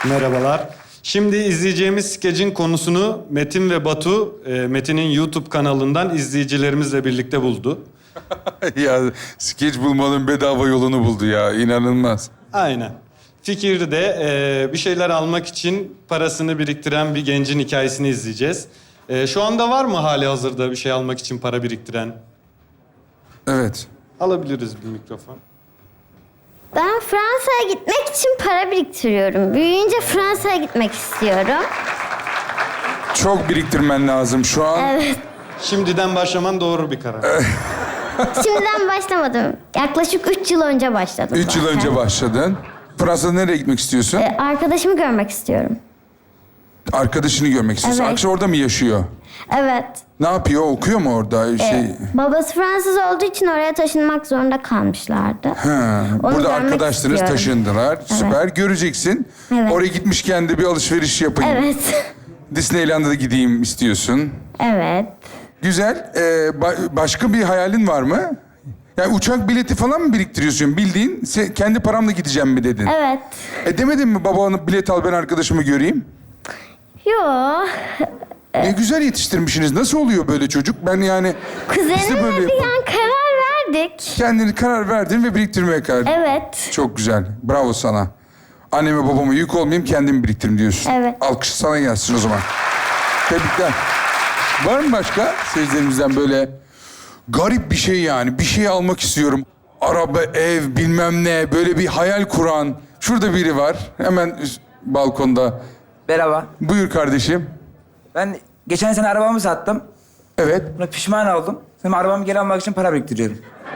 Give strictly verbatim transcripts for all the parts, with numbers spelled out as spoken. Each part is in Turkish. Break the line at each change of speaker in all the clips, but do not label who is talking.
Merhabalar. Şimdi izleyeceğimiz skecin konusunu Metin ve Batu, e, Metin'in YouTube kanalından izleyicilerimizle birlikte buldu.
Ya skeç bulmanın bedava yolunu buldu ya. İnanılmaz.
Aynen. Fikri de e, bir şeyler almak için parasını biriktiren bir gencin hikayesini izleyeceğiz. E, şu anda var mı hali hazırda bir şey almak için para biriktiren?
Evet.
Alabiliriz bir mikrofon.
Ben Fransa'ya gitmek için para biriktiriyorum. Büyüyünce Fransa'ya gitmek istiyorum.
Çok biriktirmen lazım şu an.
Evet.
Şimdiden başlaman doğru bir karar.
Şimdiden başlamadım. Yaklaşık üç yıl önce başladım.
Üç yıl
zaten.
önce başladın. Fransa'da nereye gitmek istiyorsun?
Ee, arkadaşımı görmek istiyorum.
Arkadaşını görmek istiyorsun.
Evet.
Akşam orada mı yaşıyor?
Evet.
Ne yapıyor? Okuyor mu orada? Şey...
Ee, babası Fransız olduğu için oraya taşınmak zorunda kalmışlardı.
Ha,
Onu
burada
görmek
arkadaşlarınız
istiyorum.
taşındılar. Süper. Göreceksin.
Evet.
Oraya gitmişken de bir alışveriş yapayım.
Evet.
Disneyland'a da gideyim istiyorsun.
Evet.
Güzel. Ee, ba- başka bir hayalin var mı? Yani uçak bileti falan mı biriktiriyorsun? Bildiğin se- kendi paramla gideceğim mi dedin?
Evet.
E demedin mi babana bilet al ben arkadaşımı göreyim?
Yo.
Ne güzel yetiştirmişsiniz. Nasıl oluyor böyle çocuk? Ben yani... biz de
Kuzenimle
böyle
bir
yapalım.
an karar verdik.
Kendini karar verdin ve biriktirmeye karar verdin.
Evet.
Çok güzel. Bravo sana. Anneme babama yük olmayayım, kendimi biriktirim diyorsun.
Evet.
Alkış sana gelsin o zaman. Tebrikler. Var mı başka seyircilerimizden böyle garip bir şey yani? Bir şey almak istiyorum. Araba, ev, bilmem ne. Böyle bir hayal kuran. Şurada biri var. Hemen üst- balkonda.
Merhaba.
Buyur kardeşim.
Ben geçen sene arabamı sattım.
Evet.
Buna pişman oldum. Şimdi arabamı geri almak için para biriktiriyorum.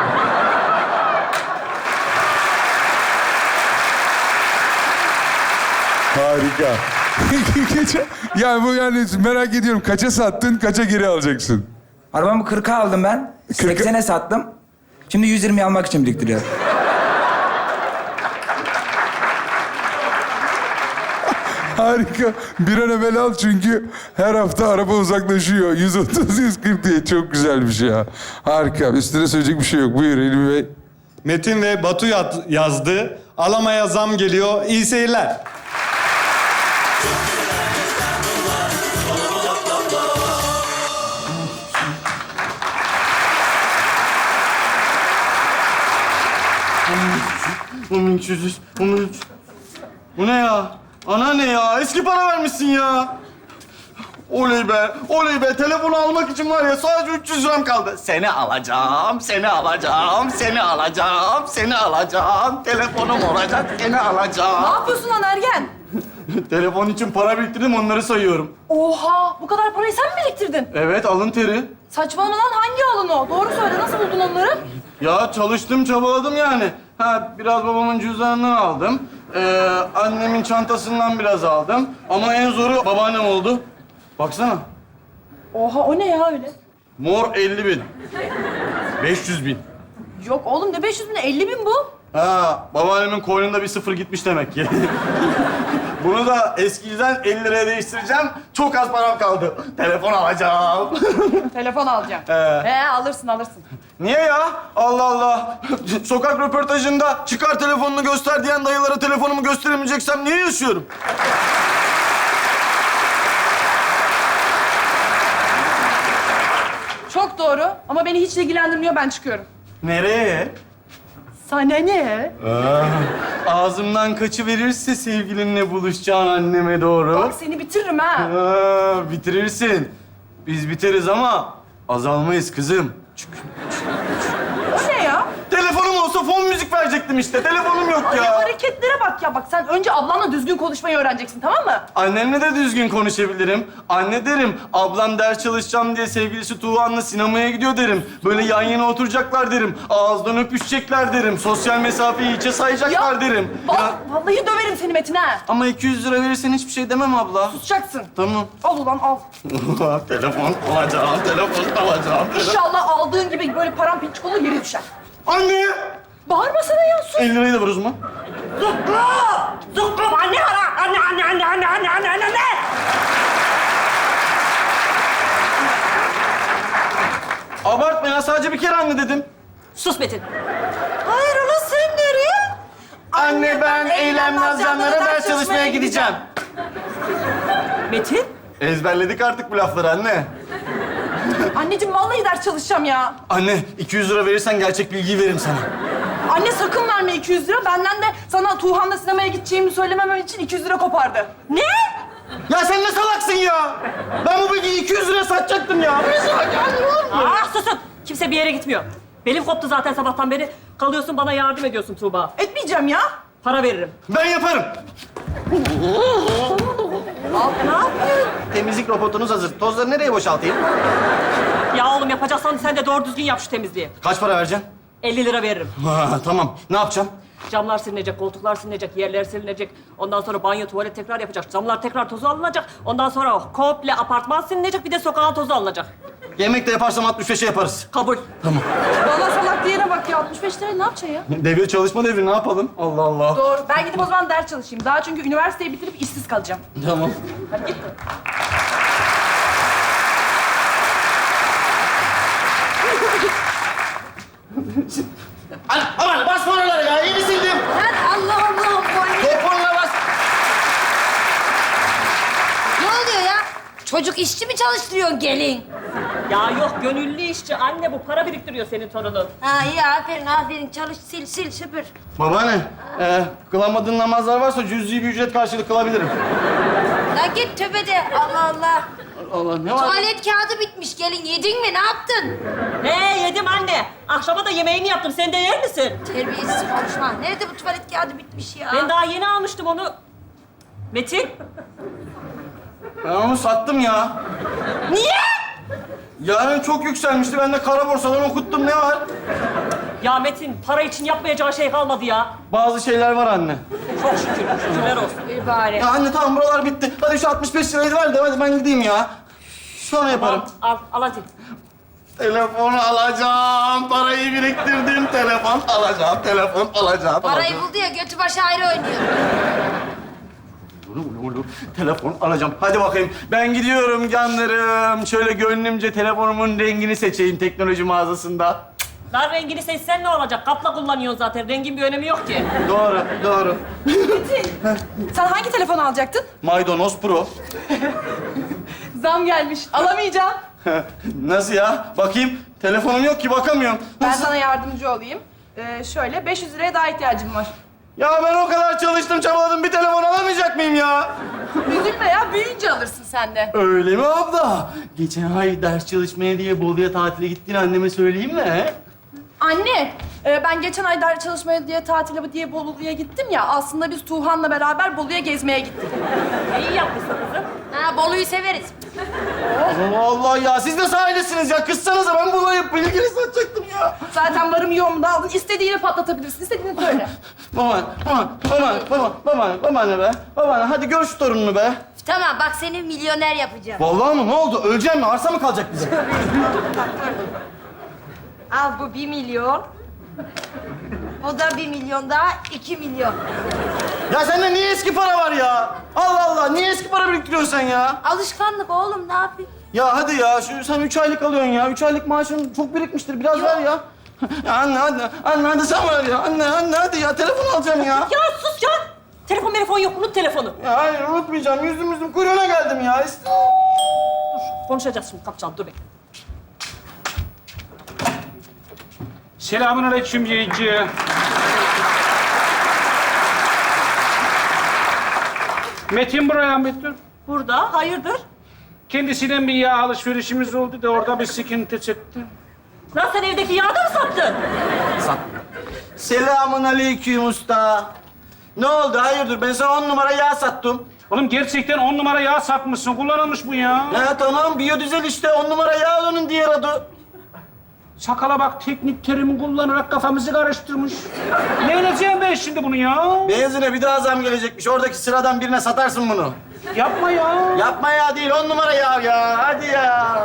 Harika. Geçen, yani bu yani merak ediyorum. Kaça sattın, kaça geri alacaksın?
Arabamı kırka aldım ben.
kırka
seksene sattım. Şimdi yüz yirmi almak için biriktiriyorum.
Harika. Bir an evvel al çünkü her hafta araba uzaklaşıyor. yüz otuz, yüz kırk diye. Çok güzel bir şey ya. Harika. Üstüne söyleyecek bir şey yok. Buyur Elmi Bey.
Metin ve Batu yat- yazdı. Alamaya zam geliyor. İyi seyirler.
on üç yüz, on üç. Bu ne ya? Ana ne ya? Eski para vermişsin ya. Oley be, oley be. Telefonu almak için var ya sadece üç yüz liram kaldı. Seni alacağım, seni alacağım, seni alacağım, seni alacağım. Telefonum olacak, seni
Ne
alacağım.
yapıyorsun lan ergen?
Telefon için para biriktirdim, onları sayıyorum.
Oha! Bu kadar parayı sen mi biriktirdin?
Evet, alın teri.
Saçmalama lan, hangi alın o? Doğru söyle, nasıl buldun onları?
Ya çalıştım, çabaladım yani. Ha, biraz babamın cüzdanından aldım. Ee, annemin çantasından biraz aldım. Ama en zoru babaannem oldu. Baksana.
Oha, o ne ya öyle?
Mor elli bin. beş yüz bin.
Yok oğlum, ne beş yüz bin, elli bin bu.
Ha, babaannemin koynunda bir sıfır gitmiş demek ki. Bunu da eskiden elli liraya değiştireceğim. Çok az param kaldı. Telefon alacağım.
Telefon alacağım.
He.
He, alırsın alırsın.
Niye ya? Allah Allah. Sokak röportajında çıkar telefonunu göster diyen dayılara telefonumu gösteremeyeceksem niye yaşıyorum?
Çok doğru ama beni hiç ilgilendirmiyor, ben çıkıyorum.
Nereye?
Sana ne?
Ağzımdan kaçıverirse sevgilinle buluşacağın anneme doğru.
Bak seni bitiririm ha.
Aa, bitirirsin. Biz biteriz ama azalmayız kızım.
O ne ya?
Telefonum olsa fon müzik verecektim işte. Telefonum yok
Ay,
ya.
hareketlere bak ya. Bak sen önce ablanla düzgün konuşmayı öğreneceksin, tamam mı?
Annemle de düzgün konuşabilirim. Anne derim, ablam ders çalışacağım diye sevgilisi Tuğhan'la sinemaya gidiyor derim. Böyle yan yana oturacaklar derim. Ağızdan öpüşecekler derim. Sosyal mesafeyi içe sayacaklar derim.
Bak,
Ya,
vallahi döverim seni Metin ha.
ama iki yüz lira verirsen hiçbir şey demem abla.
Tutacaksın.
Tamam.
Al ulan al.
Telefon alacağım, telefon alacağım.
İnşallah aldığın gibi böyle param pinçik olur, yere düşer.
Anne!
Bağırma sana ya, sus.
elli lirayı da ver o zaman.
Zuklu! Zuklu! Anne ara! Anne, anne, anne, anne, anne, anne, anne, anne!
Abartma ya, sadece bir kere anne dedim.
Sus Metin. Hayır ulan sen nereye?
Anne ben Eylem Nazcanlara ders çalışmaya gideceğim.
Metin?
Ezberledik artık bu lafları anne.
Anneciğim vallahi ders çalışacağım ya.
Anne iki yüz lira verirsen gerçek bilgiyi veririm sana.
Anne sakın verme iki yüz lira. Benden de sana Tuğhan'la sinemaya gideceğimi söylememem için iki yüz lira kopardı.
Ne?
Ya sen ne salaksın ya? Ben bu bilgiyi iki yüz liraya satacaktım ya.
Ah susun! Kimse bir yere gitmiyor. Belim koptu zaten sabahtan beri. Kalıyorsun bana yardım ediyorsun Tuğba.
Etmeyeceğim ya.
Para veririm.
Ben yaparım.
Al, ne yapıyorsun?
Temizlik robotunuz hazır. Tozları nereye boşaltayım?
Ya oğlum yapacaksan sen de doğru düzgün yap şu temizliği.
Kaç para vereceksin?
elli lira veririm.
Ha, tamam. Ne yapacağım?
Camlar silinecek, koltuklar silinecek, yerler silinecek. Ondan sonra banyo, tuvalet tekrar yapacak. Camlar tekrar tozu alınacak. Ondan sonra komple apartman silinecek. Bir de sokağın tozu alınacak.
Yemek de yaparsam altmış beşe yaparız.
Kabul.
Bana salak diyene bak ya. altmış beş lira ne yapacaksın ya?
Devir çalışma devri ne yapalım? Allah Allah.
Doğru. Ben gidip o zaman ders çalışayım. Daha çünkü üniversiteyi bitirip işsiz kalacağım.
Tamam.
Hadi git.
Aman, aman basma oralara ya. İyi sildim.
Allah Allah.
Topunla bas.
Ne oluyor ya? Çocuk işçi mi çalıştırıyorsun gelin?
Ya yok gönüllü işçi. Anne bu para biriktiriyor senin torunun.
Ha iyi aferin aferin çalış sil sil süpür.
Babaanne, e, kılamadığın namazlar varsa cüz'i bir ücret karşılık kılabilirim.
La git tövbede Allah Allah.
Allah ne var?
Tuvalet kağıdı bitmiş gelin yedin mi ne yaptın?
He yedim anne. Akşama da yemeğini yaptım. Sen de yer misin?
Terbiyesiz konuşma. Nerede bu tuvalet kağıdı bitmiş ya?
Ben daha yeni almıştım onu. Metin.
Ben onu sattım ya.
Niye?
Yarın çok yükselmişti. Ben de kara borsadan okuttum. Ne var?
Ya Metin para için yapmayacağı şey kalmadı ya.
Bazı şeyler var anne.
Çok şükür. Şükürler olsun.
Bir bari.
Ya anne tamam buralar bitti. Hadi şu altmış beş lirayı ver de hadi ben gideyim ya. Sonra yaparım.
Al, al, al hadi.
Telefonu alacağım. Parayı biriktirdim. Telefon alacağım. Telefon alacağım.
Parayı
alacağım.
buldu ya götü başı ayrı oynuyor.
Ulu, ulu, ulu. Telefon alacağım. Hadi bakayım. Ben gidiyorum canlarım. Şöyle gönlümce telefonumun rengini seçeyim teknoloji mağazasında.
Lan rengini seçsen ne olacak? Kapla kullanıyorsun zaten. Rengin bir önemi yok ki.
Doğru, doğru.
Sen hangi telefon alacaktın?
Maydanoz Pro.
Zam gelmiş. Alamayacağım.
Nasıl ya? Bakayım. Telefonum yok ki bakamıyorum.
Ben
Nasıl?
sana yardımcı olayım. Ee, şöyle beş yüz liraya daha ihtiyacım var.
Ya ben o kadar çalıştım, çabaladım. Bir telefon alamayacak mıyım ya?
Üzülme ya. Büyüyünce alırsın sen de.
Öyle mi abla? Geçen ay ders çalışmaya diye Bolu'ya tatile gittiğini anneme söyleyeyim mi? he?
Anne, e, ben geçen ay ders çalışmaya diye tatile diye Bolu'ya gittim ya. Aslında biz Tuğhan'la beraber Bolu'ya gezmeye gittik.
İyi yapmışsın kızım.
Ha Bolu'yu severiz.
Allah Allah ya, siz de sahildesiniz ya. Kızsanıza ben Bolu'ya bilgili satacaktım ya.
Zaten varım yoğumu da aldın. İstediğini patlatabilirsin. İstediğini söyle.
Baba, baba, baba, baba, baba, baba ne be? Baba ne? Hadi gör şu torununu be.
Tamam bak seni milyoner yapacağım.
Vallahi mı? Ne oldu? Öleceğim mi? Arsa mı kalacak bize?
Al bu bir milyon. Bu da bir milyon daha iki milyon.
Ya sende niye eski para var ya? Allah Allah, niye eski para biriktiriyorsun sen ya?
Alışkanlık oğlum ne yapayım?
Ya hadi ya, şu sen üç aylık alıyorsun ya. Üç aylık maaşın çok birikmiştir. Biraz ver ya. Ya anne, anne, anne hadi sen ver ya. Anne, anne hadi ya. Telefon alacağım ya.
Ya sus ya. Telefon telefon yok. Unut telefonu.
Ya hayır, unutmayacağım. Yüzüm yüzüm kuyruğuna geldim ya. İşte.
Konuşacağız şimdi. Kapacağım. Dur bekle.
Selamünaleyküm yayıncı. Metin buraya Metin.
Burada. Hayırdır?
Kendisinden bir yağ alışverişimiz oldu da orada bir sıkıntı çıktı.
Lan sen evdeki yağı da mı sattın?
Selamun aleyküm usta. Ne oldu? Hayırdır? Ben sana on numara yağ sattım.
Oğlum gerçekten on numara yağ satmışsın. Kullanılmış bu ya.
Ya tamam, biyodizel işte. On numara yağ onun diğer adı.
Sakala bak teknik terimi kullanarak kafamızı karıştırmış. Ne edeceğim ben şimdi bunu ya?
Benzine bir daha zam gelecekmiş. Oradaki sıradan birine satarsın bunu.
Yapma ya.
Yapma ya değil, on numara yağ ya. Hadi ya.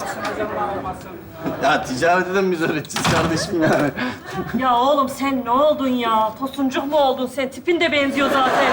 Ya ticareti de mi biz öğreteceğiz kardeşim yani?
Ya oğlum sen ne oldun ya? Tosuncuk mu oldun sen? Tipin de benziyor zaten.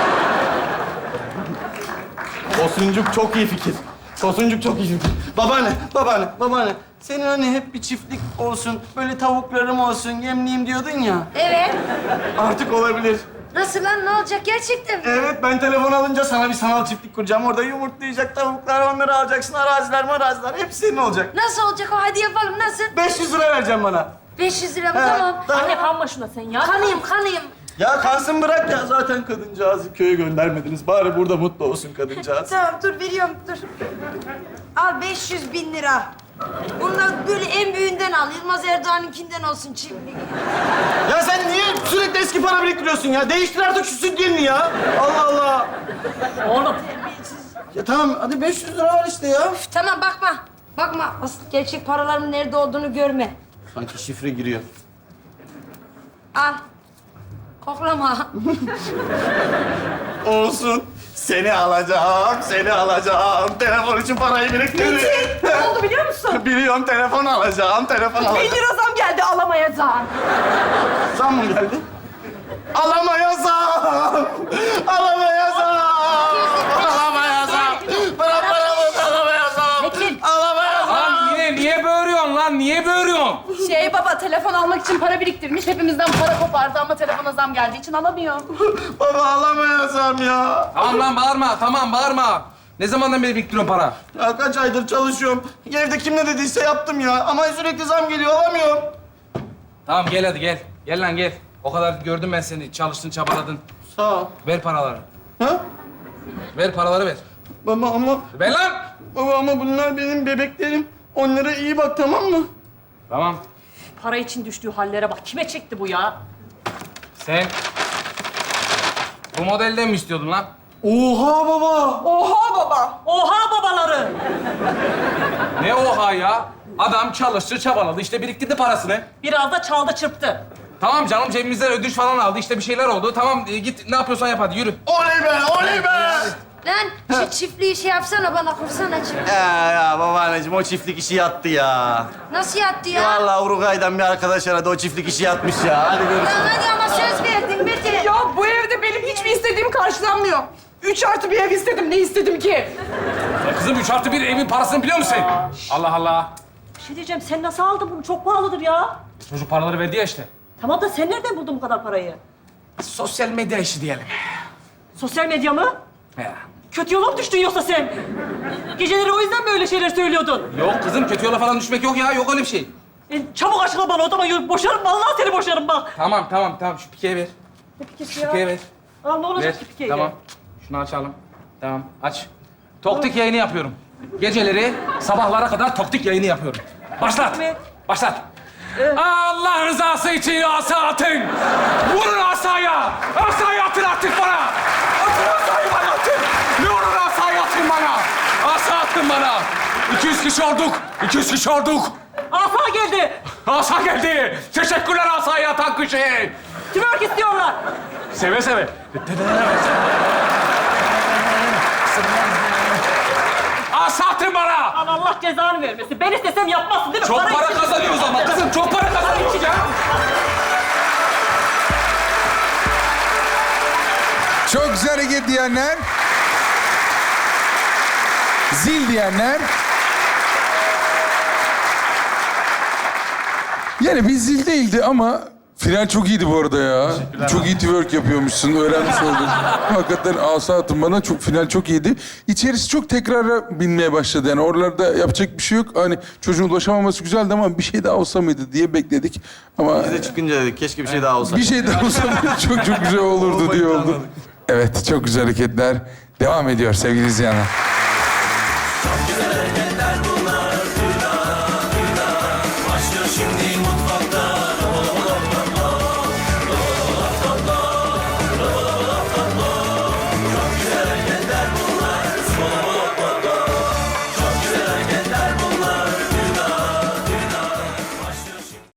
Tosuncuk çok iyi fikir. Tosuncuk çok iyi fikir. Babaanne, babaanne, babaanne. Senin hani hep bir çiftlik olsun, böyle tavuklarım olsun, yemleyeyim diyordun ya.
Evet.
Artık olabilir.
Nasıl lan, ne olacak gerçekten mi?
Evet, ben telefon alınca sana bir sanal çiftlik kuracağım. Orada yumurtlayacak tavuklar, onları alacaksın. Araziler maraziler, hepsi senin olacak.
Nasıl olacak o? Hadi yapalım, nasıl?
beş yüz lira vereceğim bana.
beş yüz lira mı?
He,
Tamam.
Anne kanma şuna sen ya.
Kanayım, kanayım.
Ya kansın bırak ya. Zaten kadıncağızı köye göndermediniz. Bari burada mutlu olsun kadıncağız.
Tamam, dur veriyorum, dur. Al beş yüz bin lira. Bundan böyle en büyüğünden al. Yılmaz Erdoğan'ınkinden olsun çiftlik.
Ya sen niye sürekli eski para biriktiriyorsun ya? Değiştir artık şu süt gelini ya. Allah Allah.
Oğlum
Ya tamam, hadi beş yüz lira var işte ya.
Üf, tamam, bakma. Bakma, asıl gerçek paraların nerede olduğunu görme.
Sanki şifre giriyor.
Al. Koklama.
Olsun. Seni alacağım, seni alacağım. Telefon için parayı biriktirdim.
Ne oldu biliyor musun?
Biliyorum, telefon alacağım, telefon
Bin
alacağım.
lira zam geldi, alamayacağım.
Zam mı geldi? Alamayacağım! Alamayacağım! Alamayacağım! Bırak paramı, alamayacağım! Alamayacağım!
Lan yine niye böğürüyorsun lan? Niye böğürüyorsun?
Şey baba, telefon almak için para biriktirmiş. Hepimizden para kopardı ama telefona zam geldiği için alamıyor.
Baba, alamayacağım ya!
Tamam lan bağırma, tamam bağırma. Ne zamandan beri biriktiriyorsun para?
Ya kaç aydır çalışıyorum. Evde kim ne dediyse yaptım ya. Ama sürekli zam geliyor, alamıyorum.
Tamam gel hadi gel. Gel lan gel. O kadar gördüm ben seni. Çalıştın, çabaladın.
Sağ ol.
Ver paraları.
Ha?
Ver paraları ver.
Baba ama...
Ver lan!
Baba ama bunlar benim bebeklerim. Onlara iyi bak, tamam mı?
Tamam.
para için düştüğü hallere bak. Kime çekti bu ya?
Sen bu modelden mi istiyordun lan?
Oha baba!
Oha baba.
Oha babaları!
Ne oha ya? Adam çalıştı, çabaladı. İşte biriktirdi parasını.
Biraz da çaldı çırptı.
Tamam canım cebimizden ödünç falan aldı. İşte bir şeyler oldu. Tamam e, git ne yapıyorsan yap hadi yürü.
Oley be, oley be!
Lan şu çiftliği şey yapsana bana, kursana çiftliği.
Ya ya babaanneciğim, o çiftlik işi yattı ya.
Nasıl yattı ya?
Vallahi Uruguay'dan bir arkadaş aradı, o çiftlik işi yatmış ya. Hadi görüşürüz.
Lan hadi ama söz verdin Mete.
Ya bu evde benim hiçbir istediğim karşılanmıyor. Üç artı bir ev istedim. Ne istedim ki?
Ya kızım üç artı bir evin parasını biliyor musun? Allah Allah.
Bir şey diyeceğim, sen nasıl aldın bunu? Çok pahalıdır ya.
Çocuk paraları verdi ya işte.
Tamam da sen nereden buldun bu kadar parayı?
Sosyal medya işi diyelim.
Sosyal medya mı?
Ya.
Kötü yola mı düştün yoksa sen? Geceleri o yüzden mi öyle şeyler söylüyordun?
Yok kızım kötü yola falan düşmek yok ya. Yok öyle bir şey.
E, çabuk açıkla bana, o zaman yo- boşarım. Vallahi seni boşarım bak.
Tamam tamam tamam şu pikeye ver.
Ne pikesi
Şu
ya?
pikeye ver.
Aa, ne olacak
Ver.
ki pikeyle?
Tamam. Şunu açalım. Tamam aç. Toktik yayını yapıyorum. Geceleri sabahlara kadar toktik yayını yapıyorum. Başlat.
mi?
Başlat. Allah rızası için asa atın. Vurun asaya. Asayı atın artık bana. Atın asayı bana atın. Ne olur asayı atın bana. Asa attın bana. iki yüz kişi olduk. iki yüz kişi olduk.
Asa geldi.
Asa geldi. Teşekkürler asayı atan kişi.
Twerk istiyorlar.
Seve seve. Asa atın bana.
Lan Allah cezanı vermesin. Ben istesem yapmazsın değil mi?
Çok para
için-
kazanıyoruz ama kızım. Çok para kazanıyoruz ya.
Çok güzel hareket diyenler. Zil diyenler. Yani bir zil değildi ama final çok iyiydi bu arada ya. Çok iyi twerk yapıyormuşsun, öğrenmiş oldum. Hakikaten asa atın bana, çok final çok iyiydi. İçerisi çok tekrara binmeye başladı yani. Oralarda yapacak bir şey yok. Hani çocuğun ulaşamaması güzeldi ama bir şey daha olsa mıydı diye bekledik. Ama
Biz de çıkınca dedik, keşke bir şey daha olsa.
bir şey daha olsa çok çok güzel olurdu diye oldu. Evet, çok güzel hareketler devam ediyor sevgili izleyenler.